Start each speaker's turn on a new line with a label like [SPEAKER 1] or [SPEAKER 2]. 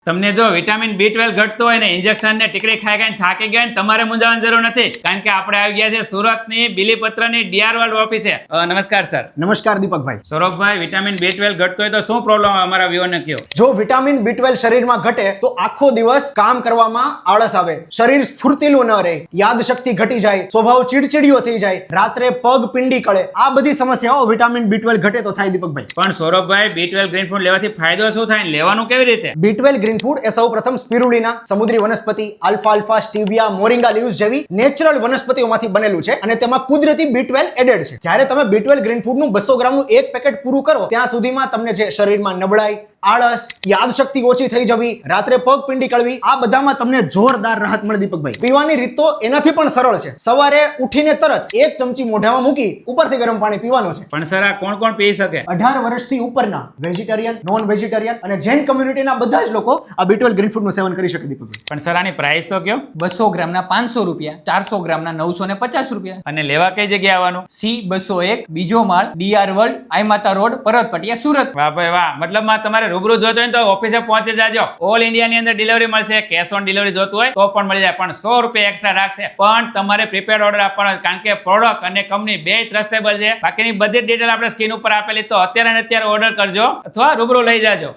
[SPEAKER 1] તમને જો vitamin B12 ઘટતું હોય ને ઇન્જેક્શન ને ટીકડી ખાઈ ખાઈને થાકી ગયા ને તમારે મૂંઝાવાની જરૂર નથી, કારણ કે આપણે આવી ગયા છે સુરતની બિલીપત્રની ડીઆર વર્લ્ડ ઓફિસે. નમસ્કાર સર.
[SPEAKER 2] નમસ્કાર દીપકભાઈ.
[SPEAKER 1] સૌરભભાઈ, વિટામિન B12 ઘટતું હોય તો શું પ્રોબ્લેમ અમારા વ્યુઅરને કહો.
[SPEAKER 2] જો વિટામિન B12 શરીરમાં ઘટે તો આખો દિવસ કામ કરવામાં આળસ આવે, શરીર સ્ફૂર્તિલું ન રહે, યાદશક્તિ ઘટી જાય, સ્વભાવ ચીડચીડિયો થઈ જાય, રાત્રે પગ પિંડી કળે, આ બધી સમસ્યાઓ વિટામિન B12 ઘટે તો થાય દીપકભાઈ.
[SPEAKER 1] પણ સૌરભભાઈ, B12 ગ્રીન ફૂડ લેવાથી ફાયદો શું થાય ને લેવાનું કેવી રીતે?
[SPEAKER 2] B12 ગ્રીન ફૂડ એ સૌપ્રથમ સ્પિરુલિના, સમુદ્રી વનસ્પતિ, આલ્ફા સ્ટીવિયા, મોરિંગા લીવ્સ જેવી નેચરલ વનસ્પતિઓમાંથી બનેલું છે અને તેમાં કુદરતી B12 એડેડ છે. જ્યારે તમે B12 ગ્રીન ફૂડનું 200 ગ્રામનું એક પેકેટ પૂરું કરો ત્યાં સુધીમાં તમને જે શરીરમાં નબળાઈ, આળસ, યાદશક્તિ ઓછી થઈ જવી, રાત્રે પગ પિંડી કળવી, આ બધામાં તમને જોરદાર રાહત મળે દીપકભાઈ. પીવાની રીત તો એનાથી પણ સરળ છે. સવારે ઉઠીને તરત 1 ચમચી મોઢામાં મૂકી ઉપરથી ગરમ પાણી પીવાનું છે.
[SPEAKER 1] પણ સર, આ કોણ કોણ પી શકે?
[SPEAKER 2] 18 વર્ષથી ઉપરના વેજીટેરિયન, નોન વેજીટેરિયન અને જૈન કમ્યુનિટીના બધા જ લોકો આ B12 ગ્રીન ફૂડનું સેવન કરી શકે દીપકભાઈ.
[SPEAKER 1] પણ સર, આની પ્રાઇસ તો કયો?
[SPEAKER 3] 200 ગ્રામના 500 રૂપિયા, 400 ગ્રામના 950 રૂપિયા.
[SPEAKER 1] અને લેવા કઈ જગ્યાએ આવવાનું?
[SPEAKER 3] C201 બીજો માળ, ડીઆર વર્લ્ડ, આઈમાતા રોડ, પરત પટિયા, સુરત.
[SPEAKER 1] વાહ ભાઈ વાહ. મતલબમાં તમારે રૂબરૂ જોતો હોય ને તો ઓફિસે પહોંચી જાજો. ઓલ ઇન્ડિયા ની અંદર ડિલિવરી મળશે. કેશ ઓન ડિલિવરી જોતું હોય તો પણ મળી જાય, પણ 100 રૂપિયા એક્સ્ટ્રા રાખશે. પણ તમારે પ્રીપેડ ઓર્ડર આપવાનો, કારણ કે પ્રોડક્ટ અને કંપની બે ટ્રસ્ટેબલ છે. બાકીની બધી ડિટેલ આપણે સ્ક્રીન ઉપર આપેલી, તો અત્યારે ને અત્યારે ઓર્ડર કરજો અથવા રૂબરૂ લઈ જાજો.